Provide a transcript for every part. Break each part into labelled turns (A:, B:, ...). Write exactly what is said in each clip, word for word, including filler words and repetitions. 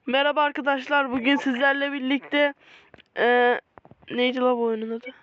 A: Merhaba arkadaşlar, bugün sizlerle birlikte ee, neydi la bu oyunun adı?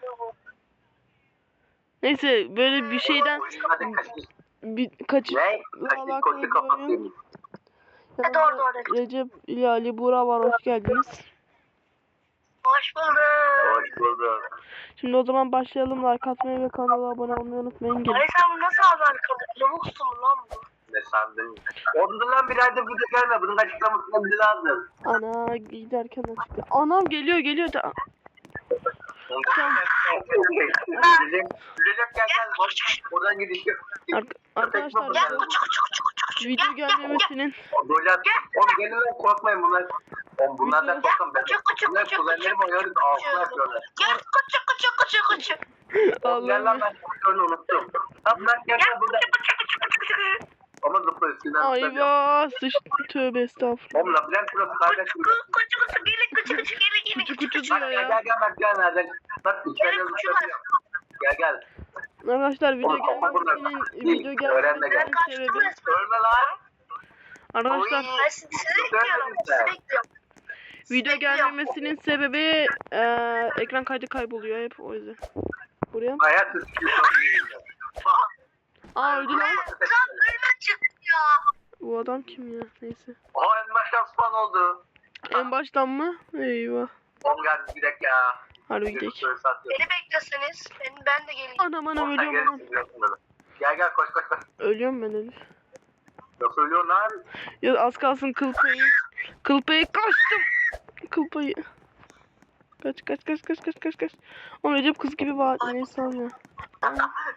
A: Neyse, böyle bir şeyden bir kaçıp
B: Ne?
A: alakalı
B: Koçu
A: bir oyun.
B: kapatayım.
A: Yanımda
C: doğru, doğru.
A: Recep ile Ali Buğra var, hoş geldiniz.
C: Hoş bulduk.
B: Hoş bulduk.
A: Şimdi o zaman başlayalım, like atmayı ve kanala abone olmayı unutmayın. Gelin.
C: Ay sen bunu nasıl aldın arkadaş? Lavuksun lan bu.
B: Ne sandın? Ondan bir aydır burada gelme. Bunun açıklamasını bize lazım.
A: Ana giderken açıkta. Anam geliyor geliyor da.
B: Recep, Recep gel gel. Boş. Oradan gidiş yok.
A: Ar arkadaşlar
C: Gel
A: bu
C: kuçu kuçu kuçu kuçu.
A: video gelmemesinin
B: Böyle oğlum gelin lan korkmayın bunlar. Oğlum bunlardan korkun ben.
C: Kuçu kuçu
B: Bunlar
C: kuçu
B: kuzenlerim
C: kuçu
B: oynuyoruz. Ağzına yapıyorlar.
C: Gel kuçu kuçu kuçu kuçu.
B: Oğlum gel lan ben onu unuttum. Tamam lan gel
C: Gel
B: lan burada.
C: kuçu kuçu kuçu kuçu kuçu.
B: Ama zıplıyor üstünden zıplıyor.
A: ayva sıçtı, tövbe estağfurullah.
B: Oğlum labirent burası kardeşim.
C: Kuçu kuçu kuçu gelin kuçu kuçu gelin gelin
A: Kuçu
C: kuçu
A: kuçu
C: kuçu.
A: diyor
B: Gel
A: ya.
B: gel gel bak gel nereden. Bak içeride
C: Gelin kuçu
B: zıplıyor. Gel gel.
A: Arkadaşlar video
B: Oğlum, kafa bunlar.
A: gelmemesinin
B: İyi,
A: video
B: öğrenme
A: gelmemesinin
B: gel.
C: Kaçtım
A: sebebi
C: resmen.
B: Ölme lan.
A: arkadaşlar
C: Ben sizi bekliyorum. Sizi bekliyorum.
A: video
C: Bekliyorum.
A: gelmemesinin sebebi eee ekran kaydı kayboluyor hep o yüzden. Buraya.
B: Hayat sıkıyor.
A: Aa öldü lan.
C: Tam ölüme çıktı ya.
A: Bu adam kim ya? Neyse.
B: O en baştan spawn oldu.
A: En baştan mı? Eyvah.
B: Oğlum gel bir dakika ya.
A: Harbi gidelim.
C: Beni bekleseniz ben, ben de geleyim.
A: Anam anam ölüyorum anam.
B: Gel gel koş koş koş.
A: Ölüyorum ben Elif.
B: Nasıl ölüyorsun lan?
A: Ya az kalsın kıl payı. Kıl payı kaçtım. Kıl payı. Kaç kaç kaç kaç kaç kaç kaç. Oğlum Recep kız gibi var. Neyse abi.
C: Ben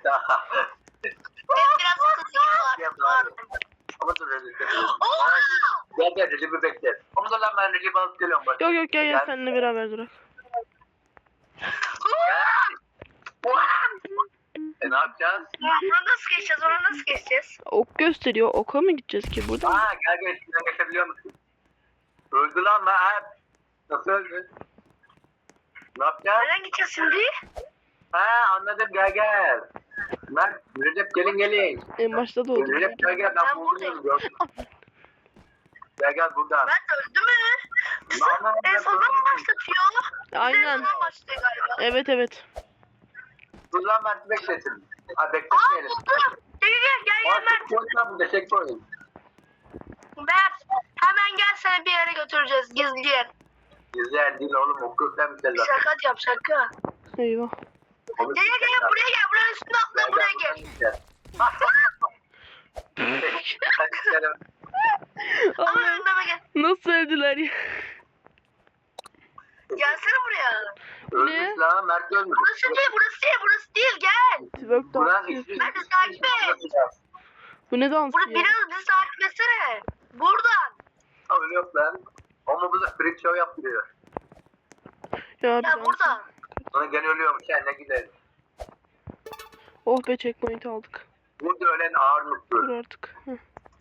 C: biraz kızıyım var.
B: Ama dur Recep. Gel gel Recep'i bekle. Ama dur lan ben Recep'i alıp geliyorum bak.
A: Yok yok gel gel
B: Gel.
A: seninle beraber durak.
B: E ne yapacağız?
C: Onu nasıl geçeceğiz? Onu nasıl geçeceğiz?
A: Ok gösteriyor. Oka mı gideceğiz ki burada?
B: Aa gel gel içinden geçebiliyor musun? Öldü lan ben. Nasıl öldü? Ne yapacağız?
C: Nereden gideceğiz şimdi?
B: Ha anladım gel gel. Mert, Recep gelin gelin.
A: En başta da oldu.
B: Recep gel gel ben
C: Ben
B: buradayım.
C: buradayım.
B: Gel gel buradan.
C: Ben öldü mü? Bizi
B: Lan, lan,
C: en
B: lan,
C: sonunda mı başlatıyor? Bizi
A: Aynen.
C: en sonunda başlıyor galiba.
A: Evet evet.
B: Dur lan Mert beklesin. Ha
C: Aa
B: bekletmeyelim.
C: buldum. Gel gel gel gel
B: Aa
C: Mert.
B: checkpoint var burada checkpoint.
C: Mert hemen gel seni bir yere götüreceğiz gizli yer.
B: Güzel değil oğlum okursan bir şey zaten.
C: Şaka yap şaka.
A: Eyvah.
C: Gel gel gel buraya gel buranın üstüne atla buraya gel. Ama
A: Allah'ım,
C: önüme gel.
A: nasıl öldüler ya?
C: Gelsene buraya.
B: Ölmüş lan Mert ölmüş.
C: Burası değil burası değil burası değil gel.
A: Twerk
B: Buran
A: dansı
B: ismi.
A: yapıyor.
C: Hadi takip et.
A: Bu ne dansı
C: Burada
A: ya?
C: biraz bizi takip etsene. Buradan.
B: Öyle yok lan. Ama bu da freak show yaptırıyor.
A: Ya, bir
C: Ya
A: dans.
C: buradan.
B: Sonra gene ölüyormuş yani ne gidelim.
A: Oh be checkpoint aldık.
B: Burada ölen ağır
A: Dur
B: mutlu.
A: artık. Heh.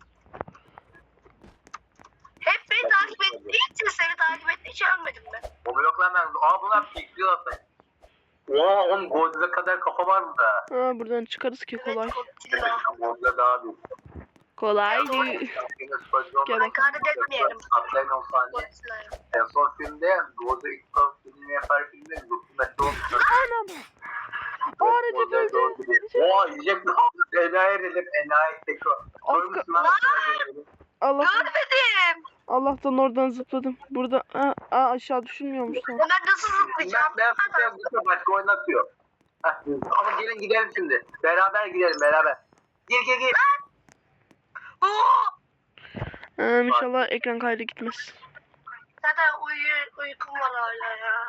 C: Hep beni takip ettiği için seni takip ettiği için ölmedim ben.
B: O yok lan ben. Aa bunlar pikliyor zaten. Oha oğlum Godzilla kadar kafa var burada.
A: Ha, buradan çıkarız ki kolay.
C: Evet, Godzilla.
B: Godzilla daha büyük.
A: Kolay değil. Gel bakalım.
C: Hakaret etmeyelim.
B: Atlayın o saniye.
C: Godzilla'ya.
B: En son filmde Godzilla ilk son filmini yapar filmde Godzilla olmuş.
A: Anam. Aa Recep öldü. Recep.
B: Oha yiyecek mi? Enayi Recep enayi teko.
A: Az
B: Koymuşsun
A: ka-
B: lan.
A: Allah
C: Görmedim.
A: Allah'tan oradan zıpladım. Burada aa, aa aşağı düşünmüyormuş lan.
C: Ben nasıl zıplayacağım?
B: Ben ben tutuyorum başka oynatıyor. Heh, ama gelin gidelim şimdi. Beraber gidelim beraber. Gir gir gir.
C: Oo!
A: Ha, inşallah ekran kaydı gitmez.
C: Zaten uyu, uykum var hala ya.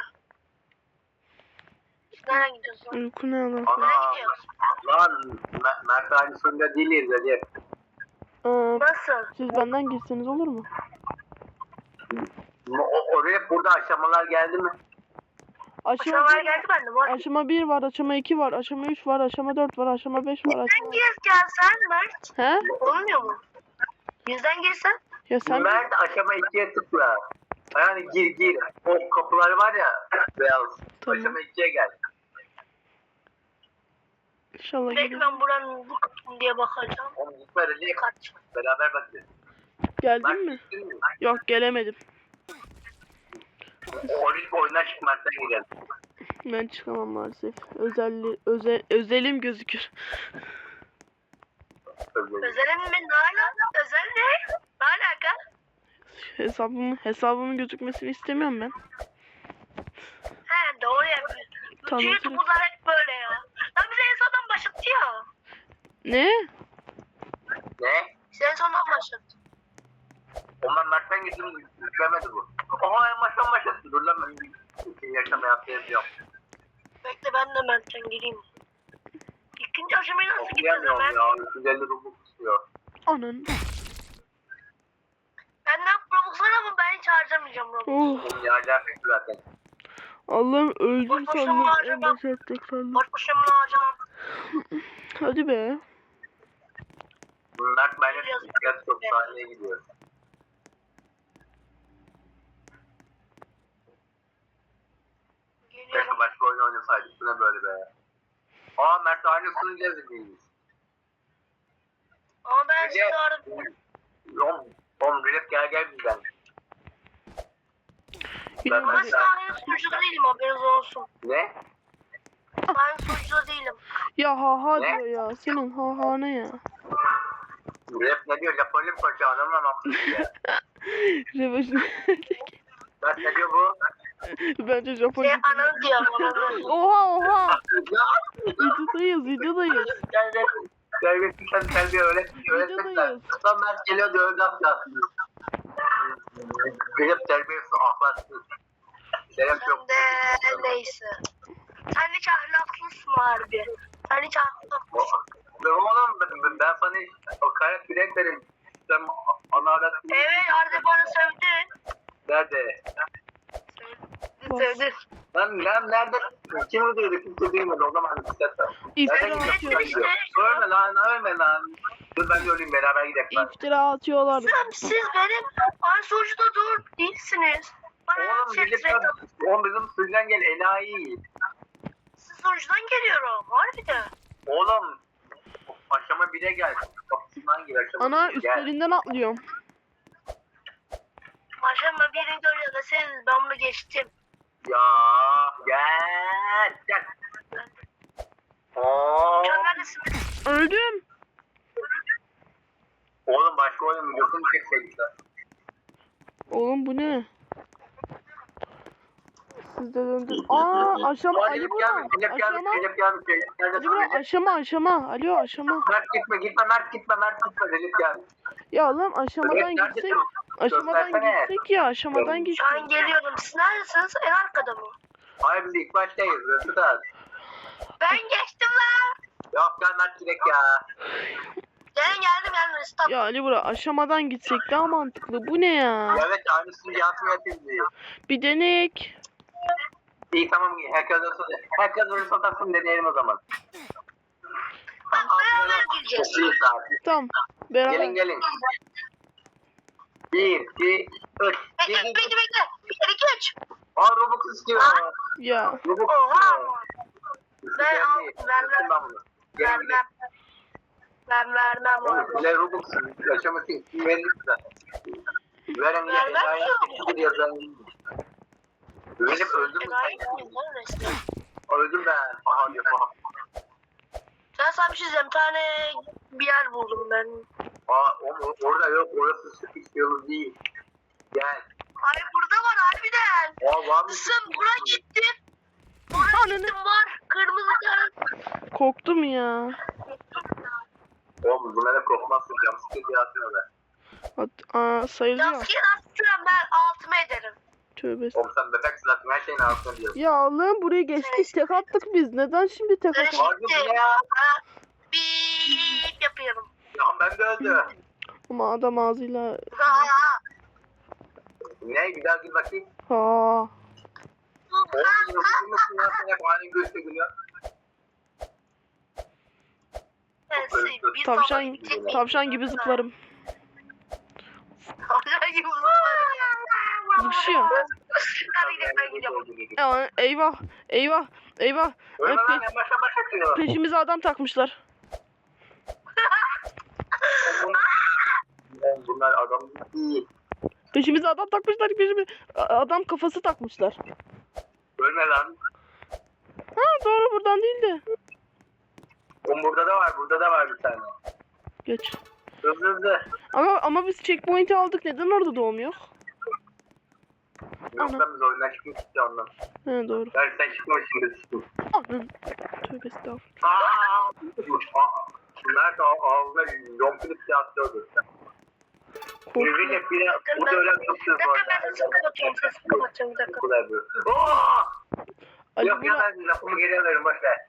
C: Nereye gidiyorsun?
A: Uyku ne lan?
B: Ana
C: Nereye gidiyorsun?
B: lan Mer- Mert aynısında değiliz Recep.
A: Aa,
C: Nasıl?
A: siz benden girseniz olur mu?
B: O, oraya burada aşamalar geldi mi?
A: Aşama
C: Aşamalar
A: bir,
C: geldi bende var.
A: aşama bir var, aşama iki var, aşama üç var, aşama dört var, aşama beş var.
C: Yüzden
A: Aşama...
C: gir gelsen Mert.
A: He?
C: Olmuyor mu? Yüzden girsen.
A: Ya sen
B: Mert aşama ikiye tıkla. Yani gir gir. O kapılar var ya beyaz.
A: Tamam.
B: Aşama ikiye gel.
A: inşallah
C: Belki
A: gelir.
C: ben buranın bu kapım diye bakacağım.
B: Oğlum gitme Recep.
C: Kaç.
B: Beraber bakacağız.
A: Geldin
B: Mert
A: mi?
B: gittin mi?
A: Yok gelemedim.
B: Olimpik oyundan çıkmaktan gidelim.
A: Ben çıkamam maalesef. Özelli, özel, özelim gözükür.
C: Özelim mi? Ne alaka? Özel ne? Ne alaka?
A: Hesabımın, hesabımın gözükmesini istemiyorum ben.
C: He doğru yapıyorsun.
A: Tamam,
C: Bütün YouTube'lar hep böyle ya. Lan bize en sondan başlattı ya.
A: Ne?
B: Ne?
C: Bize en sondan başlattı.
B: Ondan Mert'ten gittim, yüklemedi bu. Aha en baştan başlattı. Dur lan ben bir yaşama yaptıracağım.
C: Bekle ben de Mert'ten gireyim. İkinci aşamayı nasıl gidiyoruz
B: Okuyamıyorum
C: Mert?
B: ya, üç yüz elli Robux istiyor.
A: Anın.
C: Benden Robux var ama ben hiç harcamayacağım Robux.
A: Oh.
B: Benim yağacağım zaten.
A: Allah'ım öldüm
C: Boş boşuna
A: sandım. En
C: harcamam.
A: başa attık sandım.
C: Boş boşuna bunu harcamam.
A: Hadi be.
B: Mert benimle bisiklet çok sahneye gidiyor. Keşke
C: Geliyorum.
B: başka oyun oynasaydık. Bu ne böyle be? Aa Mert aynısını gezdik.
C: Ama ben sizi
B: Recep.
C: aradım.
B: Oğlum, oğlum Recep gel gel bizden.
A: Yine
C: Ama
A: hadi.
C: size aynı sunucuda değilim haberiniz olsun.
B: Ne?
C: Aynı sunucuda değilim.
A: Ya ha ha
B: Ne?
A: diyor ya. Senin ha ha ne ya?
B: Recep ne diyor? Japonlu mu paşa? Anlamam.
A: Revaşın.
B: Mert ne diyor bu?
A: Bence Japon.
C: Şey ananı diyor. Ananı.
A: Oha oha. Videodayız videodayız.
B: Gel gel. Gel gel sen sen bir öğret. Öğretmekler.
A: Videodayız.
B: Tam Mert geliyor diyor öyle yapacağız. Recep terbiyesiz ahlaksız. Recep yok.
C: Sen de neyse. Sen hiç ahlaklısın harbi. Sen hiç ahlaklısın.
B: Ben oğlum ben, ben sana hiç o kaynak bilek verim. Sen ana arat.
C: Evet Arda bana sövdü.
B: Nerede?
C: Sövdü sövdü.
B: Lan lan nerede? Kim duydu? Kimse duymadı o zaman bisiklet var.
A: İftira
B: Nereden
A: atıyor.
B: gidiyor? Ölme lan ölme lan. Dur ben de öleyim beraber gidelim. lan.
A: İftira atıyorlar.
C: Sen siz benim aynı sunucuda dur değilsiniz. Bana
B: Oğlum
C: şey
B: bizim,
C: trade atın.
B: oğlum bizim sürüden gel enayi.
C: Siz sunucudan geliyorum. Harbiden.
B: Oğlum aşama bire gel. Kapısından gir aşama.
A: Ana
B: bire, gel.
A: üstlerinden atlıyorum.
C: Aşama birini görüyor da seniz ben bunu geçtim.
B: Ya gel gel. Oo.
C: Şu an neredesiniz?
A: Öldüm.
B: Oğlum başka oyun videosunu çekseydik lan.
A: Oğlum bu ne? Siz de döndün. Aa aşama
B: Aa,
A: Ali
B: Recep
A: burada.
B: gelmiş, Recep gelmiş,
A: Aşama.
B: Recep gelmiş, Recep gelmiş.
A: Ali burada aşama aşama. Alo aşama.
B: Mert gitme gitme Mert gitme Mert gitme Recep gelmiş.
A: Ya lan aşamadan
B: Evet,
A: gitsek.
B: neredesin?
A: Aşamadan
B: Göstersene.
A: gitsek ya aşamadan
C: Şu
A: gitsek.
C: an geliyorum. Siz neredesiniz? En arkada mı?
B: Hayır biz ilk baştayız. Mesut abi.
C: Ben geçtim lan.
B: Yok gel Mert direkt ya.
C: Gelin geldim geldim. Stop.
A: Ya Ali bura aşamadan gitsek daha mantıklı. Bu ne ya?
B: Evet aynısını Yasin yapayım diyor.
A: Bir denek.
B: İyi tamam herkes olsun. Herkes öyle satarsın deneyelim o zaman.
C: Bak beraber gireceğiz.
B: Çok iyi saat.
A: Tamam.
B: Gelin
A: Beraber.
B: gelin. Bir, iki, üç.
C: Bekle bekle bekle. Bir kere iki üç.
B: Aa Robux istiyor.
A: Ya.
B: Robux
C: Oha.
B: istiyor.
C: Ben al. Ver ver.
B: Ben bunu. Gelin gelin.
C: Vermem. Ben vermem
B: Oğlum
C: abi.
B: size Robux yaşaması için verin size. Verin ya.
C: Vermem
B: Enayi
C: yok.
B: bir yazan. Benim öldüm mü
C: Enayi
B: sen?
C: miyim lan resmen?
B: Öldüm ben. Aha diyor aha.
C: Ben sana bir şey diyeceğim. Bir tane bir yer buldum ben.
B: Aa o- orada yok. Orası sıkış yolu değil. Gel.
C: Ay burada var harbiden.
B: Aa var mı?
C: Sen buraya gittin. Buraya gittim var. Kırmızı kağıt.
A: Korktum ya.
B: Oğlum bunlara korkmazsın. Jumpscare diye atıyor be.
A: At, aa, sayılıyor.
C: Yaskıya atacağım ben altıma ederim.
A: Tövbe.
B: Oğlum sen bebek zaten her şeyin altına diyorsun.
A: Ya Allah'ım buraya geçtik tek attık biz. Neden şimdi tek
C: Ben
A: attık?
B: Harbi bu
C: şimdi
B: ne ya?
C: bip yapıyorum.
B: Ya ben de öldüm.
A: Ama adam ağzıyla.
C: Ha.
B: Ne? Bir daha gir bakayım.
A: Ha.
B: Oğlum nasıl mısın ya? Sen hep aynı göğüste gülüyor.
C: Ben size bir
A: Tavşan,
C: zaman gidecek
A: tavşan gibi zıplarım.
C: Tavşan gibi zıplarım.
A: Zıpışıyor.
C: Hadi gidelim ben gidiyorum.
A: Ya, eyvah. Eyvah. Eyvah.
B: Öyle lan
A: Pe-
B: en başa baş atıyor.
A: peşimize adam takmışlar.
B: Oğlum bunlar adam değil.
A: Peşimize adam takmışlar peşimize. A- Adam kafası takmışlar.
B: Ölme lan.
A: Ha doğru buradan değil de.
B: Oğlum burada da var, burada da var bir tane.
A: Geç.
B: Hızlı hızlı.
A: Ama ama biz checkpoint'i aldık. Neden orada doğum yok?
B: Yoksa biz oyundan çıkmıştık ya ondan.
A: He doğru.
B: Ben sen çıkmışsın dedim.
A: Anam. Tövbe estağfurullah.
B: Aaa! Bunlar da ağzına yompilip yatıyordu. Birbiriyle
A: Korktum.
B: biri bu da öyle tutuyor
C: Bir
B: bu
C: dakika ben
B: arada.
C: sesimi kapatıyorum. Sesimi kapatıyorum bir dakika.
B: Bu kadar böyle. Oo!
A: Ali
B: Yok ya
A: bura...
B: ben lafımı geri alırım boşver.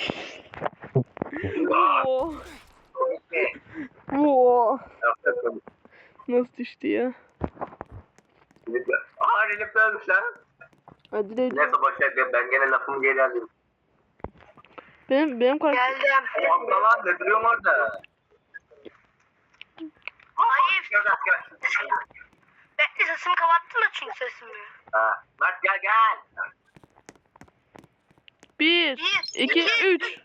B: Aa!
A: Oo.
B: Komik mi?
A: Oo.
B: Yaptı komik.
A: Nasıl düştü ya?
B: Aa Recep ölmüş lan.
A: Hadi de.
B: Neyse boşver ben gene lafımı geri alayım.
A: Benim benim karakter.
C: Geldim.
B: O abla lan ne duruyorum orada?
C: Hayır.
B: Gel gel gel.
C: Bekle sesimi kapattın da çünkü sesimi.
B: Ha, Mert gel gel.
A: Bir,
C: Bir,
A: iki,
C: iki,
A: üç.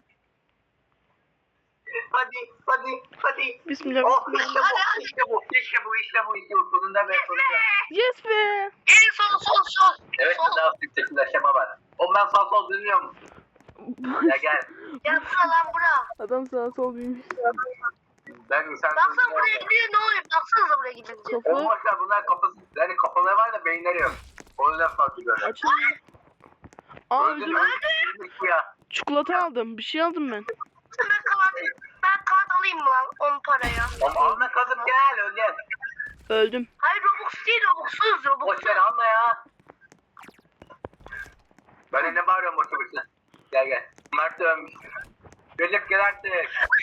B: Hadi hadi hadi.
A: Bismillah.
B: Oh
A: Bismillah.
B: işte bu işte bu işte bu işte bu işte bu sonunda ve sonunda.
A: Yes be.
C: En sol sol sol.
B: Evet
C: Sol.
B: daha yüksekinde aşama var. O ben sağ sol dinliyorum. Ya gel.
C: Ya bura lan bura.
A: Adam sağa sol büyümüş.
B: Ben insan
C: Baksana buraya gidiyor ne oluyor? Baksanıza buraya gidince.
A: Kafa
B: olmazsa bunlar kafası yani kafaları var da beyinleri yok. O yüzden farklı böyle.
A: açılmıyor. Aa
B: Öldün
A: öldüm.
B: öldün ya.
A: Çikolata aldım. Bir şey aldım ben.
C: Ben kağıt, ben kağıt alayım mı lan on paraya?
B: Ama alma kazıp gel öldün.
A: Öldüm.
C: Hayır Robux değil Robux'suz Robux'suz.
B: Boş ver alma ya. Ben de ne bağırıyorum boşu boşuna. Gel gel. Mert ölmüş. Recep gel artık.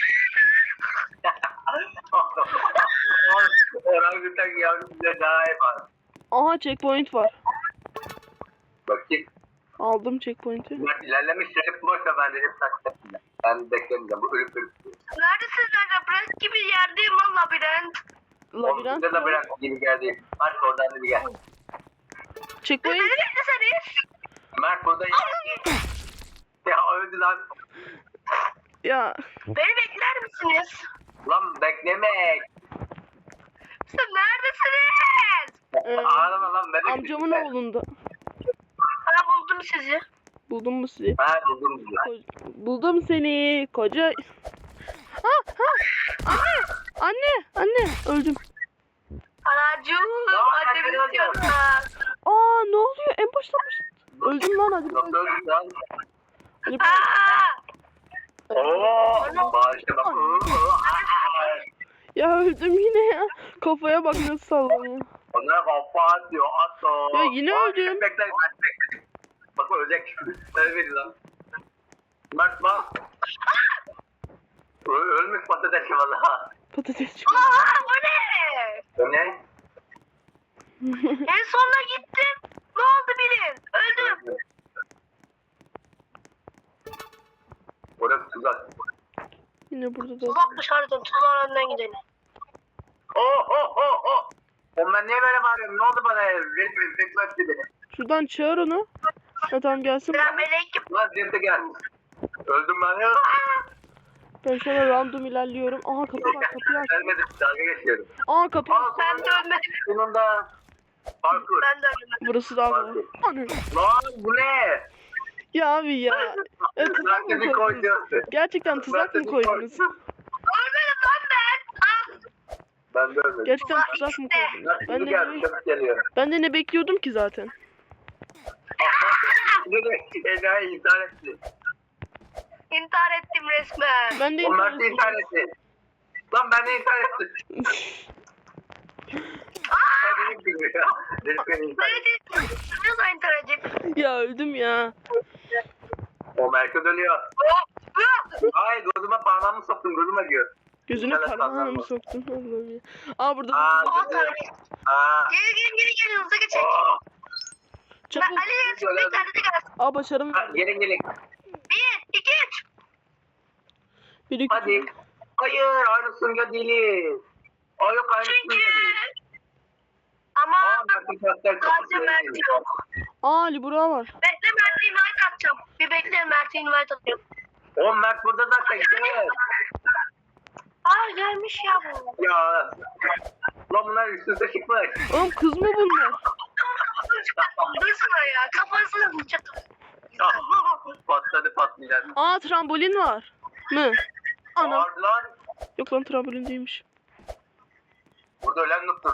B: Orangutan yavrum bize daha iyi var.
A: Aha checkpoint var.
B: Bakayım.
A: Aldım checkpoint'i.
B: Mert ilerlemiş Recep boşver ben Recep takacağım. Ben beklemeyeceğim bu ölüp ölüp.
C: Neredesin sen? Labirent gibi yerdeyim lan labirent.
A: Labirent.
B: Labirent. Labirent gibi geldi. Mert oradan da bir gel.
C: Beni
A: Checkpoint.
C: bekleseniz.
B: Mert burada ya öldü lan.
A: Ya.
C: Beni bekler misiniz?
B: Lan beklemek.
C: Sen neredesiniz?
A: Ee,
B: Ağlama lan bebek.
A: Amcamın oğlunda.
C: Bana buldum sizi.
A: Buldum mu sizi?
B: Ha buldum bizi.
A: Ko- Buldum seni. Koca. Ha ha. Anne. Anne. Anne. Öldüm.
C: Anacığım.
B: Ya,
C: Annemi
B: ben geliyorum.
C: istiyorum.
A: Aa ne oluyor? En başta baş... Öldüm lan hadi.
B: Nasıl öldü lan?
A: Hadi.
C: Aaa.
B: Oo, bağışla bak.
A: Ya öldüm yine ya. Kafaya bak nasıl sallanıyor.
B: Onlara kafa atıyor, at o.
A: Ya yine
B: Aa,
A: öldüm.
B: Bekle, bekle. Bak ölecek. Öyle lan. Mert bak. Ö- Ölmüş patates valla.
A: Patates çıkıyor.
C: Aa bu ne?
B: O ne?
C: En sonuna gittim. Ne oldu bilin? Öldüm.
B: Orası tuzak.
A: Yine burada da.
C: Tuzakmış harbiden. Tuzağın önden gidelim.
B: Oh oh oh oh. Oğlum ben niye böyle bağırıyorum? Ne oldu bana ya? Resmen bekletti beni.
A: Şuradan çağır onu. Ha tamam gelsin.
C: Selamünaleyküm.
B: Lan Cem'de gel. Öldüm ben ya.
A: Ben şöyle random ilerliyorum. Aha kapı var kapıyı aç.
B: Ölmedim dalga geçiyorum.
A: Aa kapı.
B: Aa,
C: Ben de ölmedim.
B: sonunda. Parkur.
C: Ben de ölmedim.
A: Burası daha kolay. Anne.
B: Lan bu ne?
A: Ya abi ya. E, tuzak mı
B: Zaten
A: koydunuz?
B: koydu.
A: Gerçekten tuzak mı koydunuz?
C: Ölmedim lan ben. Ah.
B: Ben de ölmedim.
A: Gerçekten tuzak mı koydunuz?
B: Lan
A: Ben
B: şimdi
A: de,
B: geldi,
A: ne,
B: çabuk geliyor.
A: ben de ne bekliyordum ki zaten.
B: Ne de enayi intihar etti.
C: İntihar ettim resmen.
A: Ben de
B: Onlar da intihar etti. Lan ben de intihar ettim. Ben dedim ki ya. Dedim beni intihar
C: Ne
B: etti.
C: dedin? Ne zaman intihar edeyim?
A: Ya öldüm ya.
B: O merkez ölüyor. Ay gözüme parmağımı soktum gözüme diyor.
A: Gözüne
B: Evet,
A: parmağını mı
B: tamam.
A: soktun? Allah'ım ya. Aa burada.
B: Aa
C: Aman
B: dedi.
C: tanrım.
B: Aa.
C: Geri geri geri geri hızlı geçecek.
B: Oh.
C: Ben
A: Çabuk.
C: Ali gelsin bir tane de gelsin.
A: Aa başarım.
B: Ha, Gelin gelin.
C: Bir, iki, üç.
A: Bir iki.
B: Hadi. Hayır aynısında değiliz. O yok aynısında
C: Çünkü.
B: değil.
C: Ama
B: Aa Mert'in karakter
C: sadece
B: kafası
C: Mert
B: değil.
C: yok.
A: Aa Ali Burak var.
C: Bekle Mert'e invite atacağım. Bir bekle Mert'e invite atacağım.
B: O Mert burada zaten gel.
C: Aa gelmiş ya bu.
B: Ya. Ulan bunlar üst üste çıkmış.
A: Oğlum kız mı bunlar?
C: Dursana ya kafasını vuracak.
B: Patladı patlayacak.
A: Aa trambolin var. Mı? Ana.
B: Var lan.
A: Yok lan trambolin değilmiş.
B: Burada ölen noktur.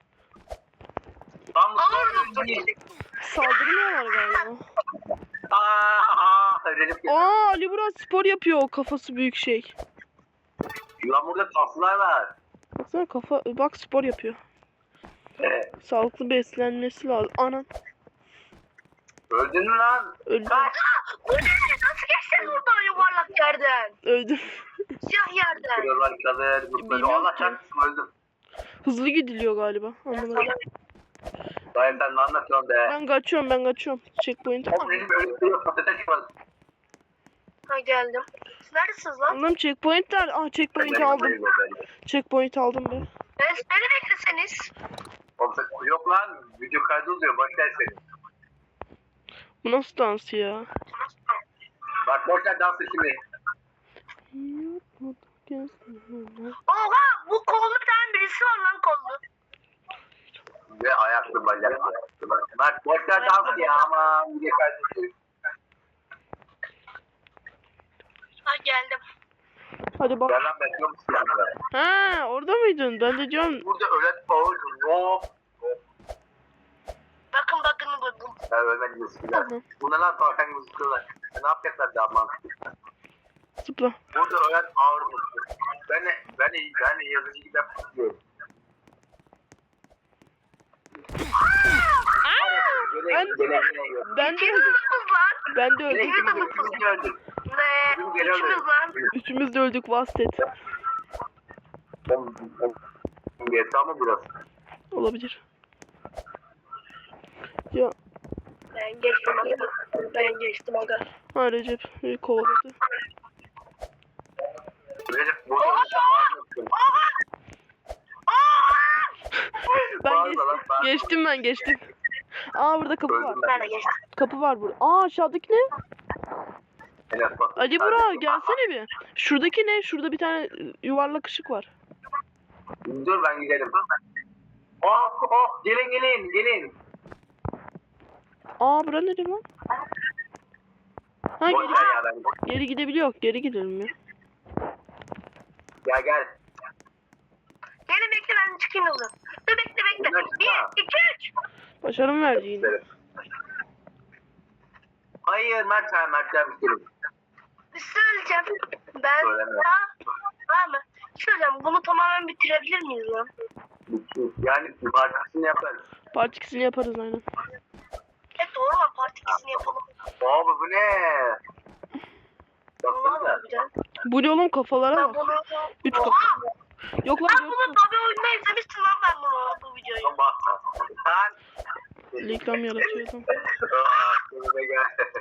B: Tam
C: Ağır
B: noktur.
A: Saldırmıyorlar galiba.
B: Aaa. Recep geldi.
A: Aa Ali Burak spor yapıyor o kafası büyük şey.
B: Lan burada taslar var.
A: Baksana kafa bak spor yapıyor. Sağlıklı beslenmesi lazım. Anan
B: Öldün mü lan?
A: öldü.
B: Kaç.
C: Bu ne? Nasıl geçtin buradan yuvarlak yerden?
A: Öldüm.
C: Siyah yerden.
B: Kırıyorlar kalır. Mutlu.
A: Bilmiyorum
B: Allah
A: ki.
B: çarpsın öldüm.
A: Hızlı gidiliyor galiba. Anlamadım.
B: Dayım sen ne anlatıyorsun be?
A: Ben kaçıyorum ben kaçıyorum. Checkpoint.
B: Oğlum benim öyle bir patates çıkmadı.
C: Ha geldim. Siz neredesiniz lan?
A: Anladım checkpointler. Ah checkpoint aldım. Checkpoint aldım ben.
C: Ben, beni bekleseniz.
B: Oğlum sen- Yok lan. Video kaydı oluyor. Boş ver seni.
A: Bu nasıl dans ya?
B: Bak boş ver dansı şimdi.
C: Oha bu kollu bir tane birisi var lan kollu.
B: Ve ayaklı bacaklı. Bak boş ver dans ya ama video kaydı oluyor.
C: Ha geldim.
A: Hadi bak.
B: Gel lan bekliyor musun yanında?
A: Ha orada mıydın? Ben de diyorum.
B: Burada ölen ağır. Hop.
C: Bakın bakın buldum.
B: Ya ölmedi gözüküyorlar.
A: Tamam.
B: Buna lan tavşan gözüküyorlar. E, ne yapacaklar daha mantıklı?
A: Zıpla.
B: Burada ölen ağır mutlu. Ben de, ben de, ben de yazıcı gibi yapıyorum.
A: Ben, ben de öldüm.
C: İkimiz lan.
A: Ben de öldüm.
B: İkimiz de öldük.
C: Ne? İkimiz lan.
A: Üçümüz de öldük vastet.
B: G T A mı burası?
A: Olabilir. Ya
C: Ben geçtim aga. Ben geçtim aga.
A: ha Recep beni kovaladı.
B: Recep burada ağır mutlu.
A: Ben
B: Bağırma
A: geçtim.
B: lan, bağırma.
A: Geçtim ben geçtim. Aa burada kapı var.
B: Öldüm
C: Ben de geçtim.
A: Kapı var burada. Aa aşağıdaki ne?
B: Evet, bak.
A: Ali Burak gelsene bir. Şuradaki ne? Şurada bir tane yuvarlak ışık var.
B: Dur ben gidelim. Oh oh gelin gelin gelin.
A: Aa bura ne lan? Ha
B: Boş
A: geri,
B: ver ya ben.
A: geri gidebiliyor. Geri gidelim ya.
B: Gel gel.
C: Gelin bekle ben çıkayım yoldan. Dur bekle bekle.
B: Bunlar
C: Bir,
B: çıkma.
C: iki, üç.
A: Başarım verdi yine.
B: Hayır Mert ha Mert gelmiş gelin.
C: Bir şey söyleyeceğim. Ben
B: Söyleme.
C: daha... Var mı? Söyleyeceğim bunu tamamen bitirebilir miyiz lan?
B: Yani partisini yaparız.
A: Part ikisini yaparız aynen.
C: Evet doğru lan part ikisini yapalım.
B: Abi bu ne?
C: Ne
B: Baksana.
C: yapacağım?
A: Bu ne oğlum kafalara
C: Ben
A: bak.
C: bunu...
A: Üç
C: Oha!
A: kafa. Yok lan
C: Ben
A: dört
C: bunu
A: kafa.
C: tabi oyunda izlemiştim lan ben bunu bu videoyu.
B: Lan bakma. Sen.
A: Reklam yaratıyordum.
B: Aa, önüme gel.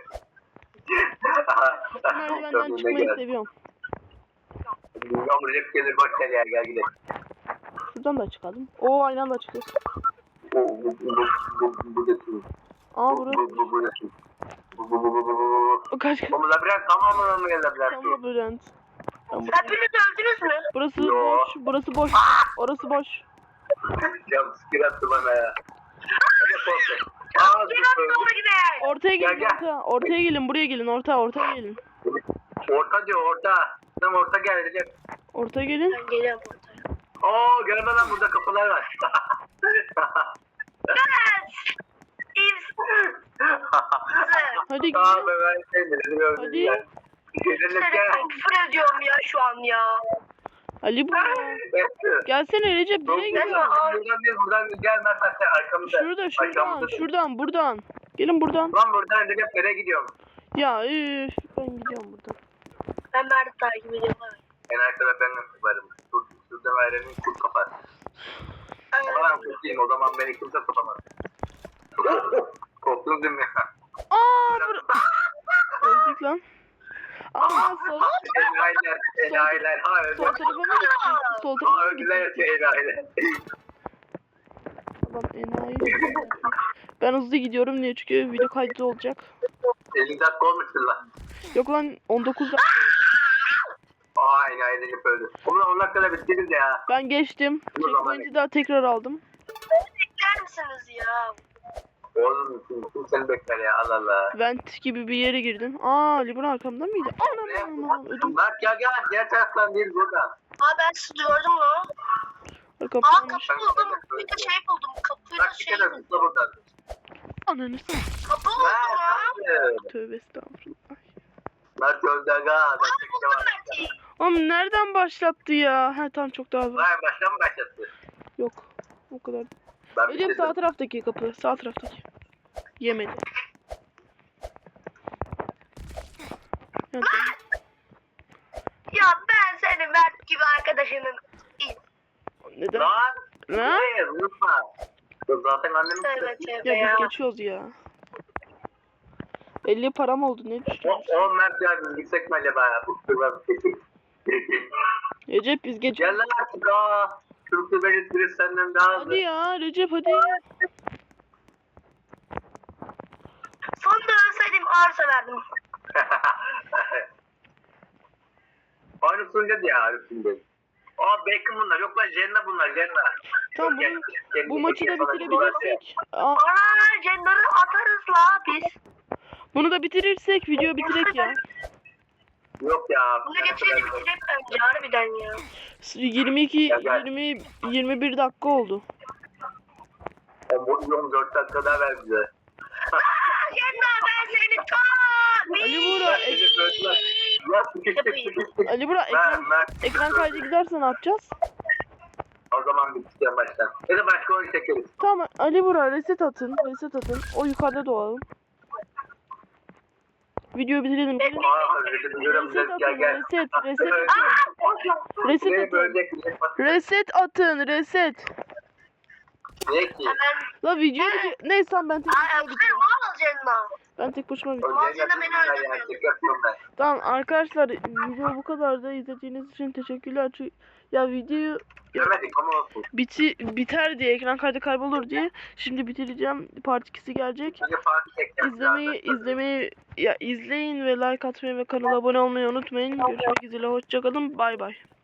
A: Merdivenden
B: Önüme
A: çıkmayı
B: gel.
A: seviyorum.
B: Bilmiyorum Recep gelir boş ver ya gel gidelim.
A: Şuradan da çıkalım. Oo aynı anda çıkıyoruz.
B: Bu bu bu bu bu bu bu
A: Aa
B: bu
A: burası.
B: bu bu bu bu bu bu bu bu bu
A: O kaç kaç.
B: Bu labirent tamamı mı labirent?
A: Tam labirent. Ben buraya-
C: Hepiniz öldünüz mü?
A: Burası
B: Yo.
A: boş. Burası boş. Orası boş.
B: Ya sikir attı bana ya. Hadi korkma. Aa
C: Gel
B: dur.
C: doğru gidelim.
A: Ortaya gelin
B: Gel, gel.
A: ortaya. Ortaya gelin buraya gelin orta ortaya gelin.
B: Orta diyor orta. Tam orta gel Recep.
A: Ortaya gelin.
C: Ben geliyorum ortaya.
B: Oo görme lan burada kapılar var.
C: Evet. İz.
A: Hadi
B: Tamam
A: gidelim.
B: ben sevmedim.
A: Hadi.
B: Gelirlik ya.
C: Ben küfür ediyorum ya şu an ya.
A: Ali bu. Gelsene Recep nereye
B: Buradan
A: gidiyorsun?
B: değil buradan değil gel Mert sen arkamızda.
A: Şurada şuradan
B: Arkamızda.
A: şuradan buradan. Gelin buradan.
B: Lan buradan Recep nereye gidiyorum?
A: Ya üf, ben gidiyorum buradan.
C: Ben Mert'i takip ediyorum.
B: En arkada ben varım. Kurt, şurada verenin kurt kapar. O zaman kurtayım o zaman beni kimse tutamaz. Korktunuz değil mi?
A: Aa bur öldük lan. Aa sol,
B: Enayiler, enayiler. Ha
A: sol
B: öldüm.
A: tarafa mı gittik? Sol
B: Ha
A: tarafa mı
B: öldüler
A: gittik?
B: ya enayiler.
A: Adam enayi. Ben hızlı gidiyorum niye? Çünkü video kaydı olacak.
B: elli dakika olmuştur lan.
A: Yok lan on dokuz dakika oldu.
B: Aa enayi. eğlenip öldü. Onunla on dakikada bitiririz ya.
A: Ben geçtim.
B: O zaman-
A: Checkpoint'i daha tekrar aldım.
C: Bekler misiniz ya?
B: Oğlum kim, kim seni bekler ya Allah Allah.
A: Vent gibi bir yere girdim. Aa Libra arkamda mıydı? Anam anam anam ödüm.
B: Bak gel gel diğer taraftan değil buradan.
C: Aa ben sizi gördüm lan. Aa
A: Kapatmış.
C: kapı buldum. Bir de şey buldum. Kapıyla
B: Bak bir
C: şey
B: kere
C: buldum.
B: zıpla buradan.
A: Ananı s-
C: Kapı buldum lan.
B: Mert
A: Tövbe estağfurullah.
B: Mert öldü aga.
C: Aa buldum Mert'i.
A: Oğlum nereden başlattı ya? Ha tamam çok daha var.
B: Vay baştan mı başlattı?
A: Yok. O kadar.
B: Ben
A: Recep
B: bitirdim.
A: sağ taraftaki kapı. Sağ taraftaki. Yemedi. Ya, tamam.
C: Ya ben senin Mert gibi arkadaşının.
A: Neden?
B: Lan.
A: Lan?
B: Hayır unutma. Dur, Zaten annemin
C: Tövbe
B: sesi.
C: tövbe
A: Ya
C: ya.
A: biz geçiyoruz ya. elli param oldu ne
B: O,
A: düşünüyorsun?
B: o Mert yardım gitsek mi acaba ya? Bu kırmızı sesi.
A: Recep biz geçiyoruz.
B: Gel lan artık aa. Türkçe belirtiriz senden daha hızlı.
A: Hadi ya Recep hadi.
C: Sonunda ölseydim arsa verdim.
B: Aynı sunucu ya üstünde. Aa Beckham bunlar. Yok lan Jenna bunlar Jenna.
A: Tamam
B: Gel,
A: bunu,
B: gel,
A: bu
B: gel,
A: maçı da
B: gel, sana
A: bitirebilirsek. Aa,
C: Ana cendarı atarız la biz.
A: bunu da bitirirsek video bitirek ya.
B: Yok ya.
C: Bunu geçelim bitirip önce harbiden ya.
A: yirmi iki
B: Gel, gel.
A: yirmi yirmi bir dakika oldu.
B: on dört dakika daha ver bize.
C: Aa Cendar ben seni çok.
A: Ali Buğra,
B: Recep öldüler. Ya sıkıştık sıkıştık.
A: Ali Burak
B: Mert,
A: ekran,
B: Mert.
A: ekran kaydı giderse ne yapacağız?
B: O zaman biteceğim baştan. Ya da başka oyun çekeriz.
A: Tamam Ali Burak reset atın. Reset atın. O yukarıda doğalım. Videoyu bitirelim. Gelin.
B: Aa Recep biliyorum.
A: Reset
B: Gel
A: atın.
B: gel.
A: Reset. Reset atın. Reset
B: Beni
A: atın.
B: bölecek. Recep bak.
A: Reset atın. Reset.
B: Ne ki?
C: Hemen.
A: La video bitir. Neyse tamam, ben tek
C: Ay
A: başıma
C: öpsene
A: bitireyim.
C: mal Cendar.
A: Ben tek başıma bitireyim.
B: Öleceğini
C: Malzeme beni
B: yapıyorum ben
C: öldürmüyor.
B: ya. Şaka yapıyorum ben.
A: Tamam arkadaşlar video bu kadar da izlediğiniz için teşekkürler. Çünkü ya videoyu
B: Göremedik ama olsun.
A: biti biter diye ekran kaydı kaybolur diye şimdi bitireceğim. Part ikisi gelecek.
B: Önce parti çekeceğiz.
A: İzlemeyi izlemeyi ya izleyin ve like atmayı ve kanala abone olmayı unutmayın. Görüşmek üzere, hoşça kalın. Bay bay.